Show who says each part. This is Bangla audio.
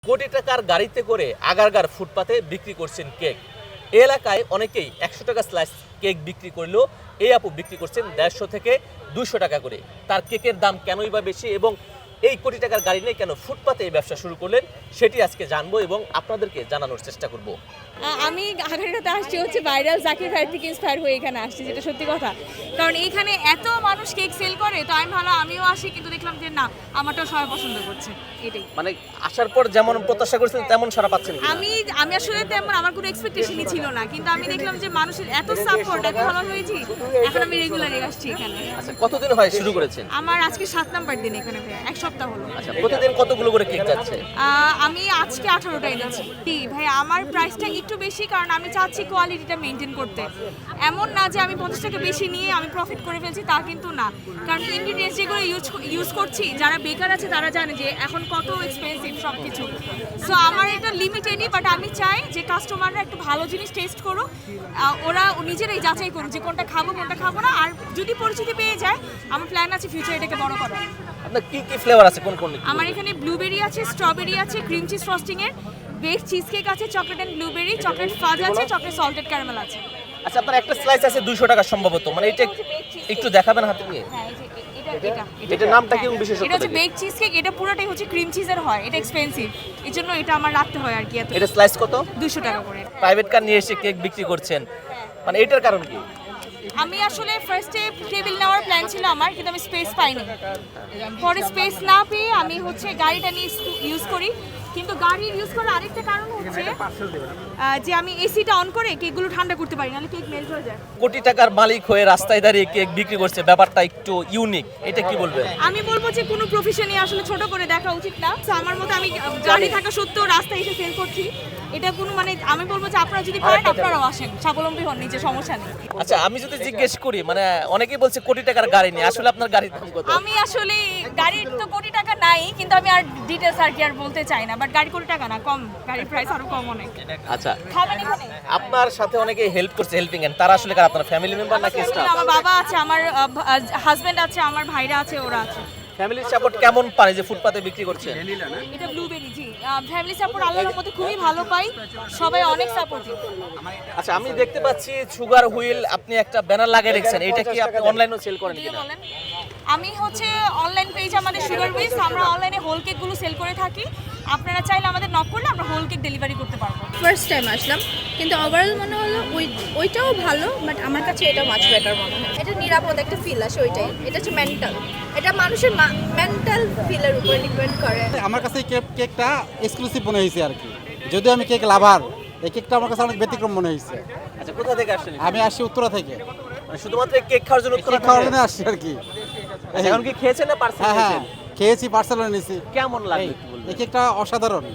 Speaker 1: কোটি টাকার গাড়িতে করে আগারগার ফুটপাতে বিক্রি করছেন কেক। এই এলাকায় অনেকেই 100 টাকা স্লাইস কেক বিক্রি করলেও এই আপু বিক্রি করছেন 150 থেকে 200 টাকা করে। তার কেকের দাম কেনই বা বেশি এবং এই কোটি টাকার গাড়ি নিয়ে কেন ফুটপাতে এই ব্যবসা শুরু করলেন সেটি আজকে জানবো এবং আপনাদেরকে জানানোর চেষ্টা করব।
Speaker 2: আমি আগারগাঁওতে আসছি হচ্ছে ভাইরাল জাকির ভাই থেকে ইন্সপায়ার হয়ে এখানে আসছি, যেটা সত্যি কথা। কারণ এইখানে এত মানুষ কেক সেল করে, তো আমি ভালো আমিও আসি, কিন্তু দেখলাম যে না, আমারটাও সবাই পছন্দ করছে, এটাই।
Speaker 1: মানে আসার পর যেমন প্রত্যাশা করেছিলেন তেমন সারা পাচ্ছেন কিনা?
Speaker 2: আমি আসলে তেমন আমার কোনো এক্সপেকটেশনই ছিল না, কিন্তু আমি দেখলাম যে মানুষের এত সাপোর্ট, এত ভালো হয়েছি, এখন আমি রেগুলারই আসছি এখানে।
Speaker 1: আচ্ছা, কতদিন হয় শুরু করেছেন?
Speaker 2: আমার আজকে 7 নাম্বার দিন এখানে, ভাই 1 সপ্তাহ হলো।
Speaker 1: আচ্ছা, প্রতিদিন কতগুলো করে কেক যাচ্ছে?
Speaker 2: আমি আজকে 18টা এনেছি। ভাই আমার প্রাইসটা একটু বেশি, কারণ আমি চাচ্ছি কোয়ালিটিটা মেনটেন করতে। এমন না যে আমি 50 টাকা বেশি নিয়ে আমি প্রফিট করে ফেলছি, তা কিন্তু না। কারণ ইনগ্রিডিয়েন্টস যেগুলো ইউজ করছি, যারা বেকার আছে তারা জানে যে এখন কত এক্সপেন্সিভ সব কিছু। সো আমার এটা লিমিটেডই, বাট আমি চাই যে কাস্টমাররা একটু ভালো জিনিস টেস্ট করুক, ওরা নিজেরাই যাচাই করুক যে কোনটা খাবো কোনটা খাবো না। আর যদি পরিচিতি পেয়ে যায়, আমার প্ল্যান আছে ফিউচার এটাকে বড় করার।
Speaker 1: আপনার কি কি ফ্লেভার আছে, কোন কোন?
Speaker 2: আমার এখানে ব্লুবেরি আছে, স্ট্রবেরি আছে, ক্রিম চিজ ফ্রস্টিং এর, বেক চিজ কেক আছে, chocolate and blueberry, chocolate fudge আছে, চকলেট সল্টেড ক্যারামেল আছে।
Speaker 1: আচ্ছা, আপনার একটা স্লাইস আছে 200 টাকা সম্ভবত, মানে এটা একটু দেখাবেন হাতে নিয়ে?
Speaker 2: হ্যাঁ, এই যে এটা
Speaker 1: এটার নামটা কি বিশেষত্ব?
Speaker 2: এটা হচ্ছে বেক চিজ কেক, এটা পুরোটাই হচ্ছে ক্রিম চিজের হয়, এটা এক্সপেন্সিভ, এর জন্য এটা আমার রাখতে হয় আর কি। এত
Speaker 1: এটা স্লাইস কত?
Speaker 2: 200 টাকা করে।
Speaker 1: প্রাইভেট কার নিয়ে এসে কেক বিক্রি করছেন, মানে এটার কারণ কি?
Speaker 2: আমি আসলে ফার্স্টে টেবিল নেওয়ার প্ল্যান ছিল আমার, কিন্তু আমি স্পেস পাইনি। পরে স্পেস না পেয়ে আমি হচ্ছে গাড়িটা নিয়ে ইউজ করি। কিন্তু গাড়ি ইউজ করার আরেকটা কারণ হচ্ছে যে আমি এসিটা অন করে কেকগুলো ঠান্ডা করতে পারি, নাহলে কেক মেল্ট হয়ে যায়।
Speaker 1: কোটি টাকার মালিক হয়ে রাস্তায় দাঁড়িয়ে কেক বিক্রি করছে, ব্যাপারটা একটু ইউনিক, এটা কি বলবেন?
Speaker 2: আমি বলবো যে কোনো প্রফেশনই আসলে ছোট করে দেখা উচিত না। তো আমার মতো আমি গাড়ি থাকা সত্ত্বেও রাস্তায় এসে সেল করছি, এটা কোনো মানে আমি বলবো যে আপনারা যদি পারেন আপনারাও আসেন, স্বাবলম্বী হন, নিজের সমস্যা নেই।
Speaker 1: আচ্ছা, আমি যদি জিজ্ঞেস করি, মানে অনেকেই বলছে কোটি টাকার গাড়ি নিয়ে, আসলে আপনার গাড়ির দাম কত?
Speaker 2: আমি আসলে গাড়ির তো কোটি টাকা নাই, কিন্তু আমি আর ডিটেলস আর কি আর বলতে চাই না। বাট গাড়ি কোটি টাকা না, কম, গাড়ির প্রাইস আরো কম অনেক।
Speaker 1: আচ্ছা,
Speaker 2: খাবেন এখানে?
Speaker 1: আপনার সাথে অনেকে হেল্প করছে, হেল্পিং হ্যান্ড, তারা আসলে কার? আপনার ফ্যামিলি মেম্বার নাকি স্টাফ?
Speaker 2: আমার বাবা আছে, আমার হাজবেন্ড আছে, আমার ভাইরা আছে, ওরা আছে।
Speaker 1: ফ্যামিলির সাপোর্ট কেমন পারে যে ফুটপাতে বিক্রি করছেন?
Speaker 2: এটা ব্লুবেরি, জি। ফ্যামিলি সাপোর্ট আল্লাহর রহমতে খুবই ভালো পাই, সবাই অনেক সাপোর্টিভ।
Speaker 1: আচ্ছা, আমি দেখতে পাচ্ছি সুগার হুইল, আপনি একটা ব্যানার লাগিয়ে রেখেছেন, এটা কি আপনি অনলাইনেও সেল করেন
Speaker 2: দিয়ে
Speaker 1: কিনা?
Speaker 2: বলেন। আমি হচ্ছে অনলাইন পেজ আমাদের সুগার উইথ, আমরা অনলাইনে হোল কেকগুলো সেল করে থাকি। আপনারা চাইলে আমাদের নক করলে আমরা হোল কেক ডেলিভারি করতে পারবো।
Speaker 3: ফার্স্ট টাইম আসলাম, কিন্তু ওভারঅল মনে হলো ওইটাও ভালো, বাট আমার কাছে এটা মাছ বেটার মনে হয়। এটা নিরাপদ একটা ফিল আসে, ওইটাই। এটা হচ্ছে মেন্টাল, এটা মানুষের মেন্টাল ফিলের উপর ডিপেন্ড করে।
Speaker 4: আমার কাছে এই কেকটা এক্সক্লুসিভ মনে হয়েছে আর কি, যদিও আমি কেক লাভার, এই কেকটা আমার কাছে অনেক ব্যতিক্রম মনে হয়েছে।
Speaker 1: আচ্ছা, কোথা থেকে আসছেন?
Speaker 4: আমি আসছি উত্তরা থেকে,
Speaker 1: মানে শুধুমাত্র কেক খাওয়ার জন্য?
Speaker 4: কেক খাওয়ার জন্য আসছি আর কি।
Speaker 1: আচ্ছা, এখন কি খেয়েছেন না পার্সেল
Speaker 4: হ্যাঁ হ্যাঁ,
Speaker 1: খেয়েছেন?
Speaker 4: খেয়েছি, পার্সেল নিয়েছি।
Speaker 1: কেমন লাগলো
Speaker 4: এই
Speaker 1: একটু বলবেন?
Speaker 4: এই কেকটা অসাধারণ।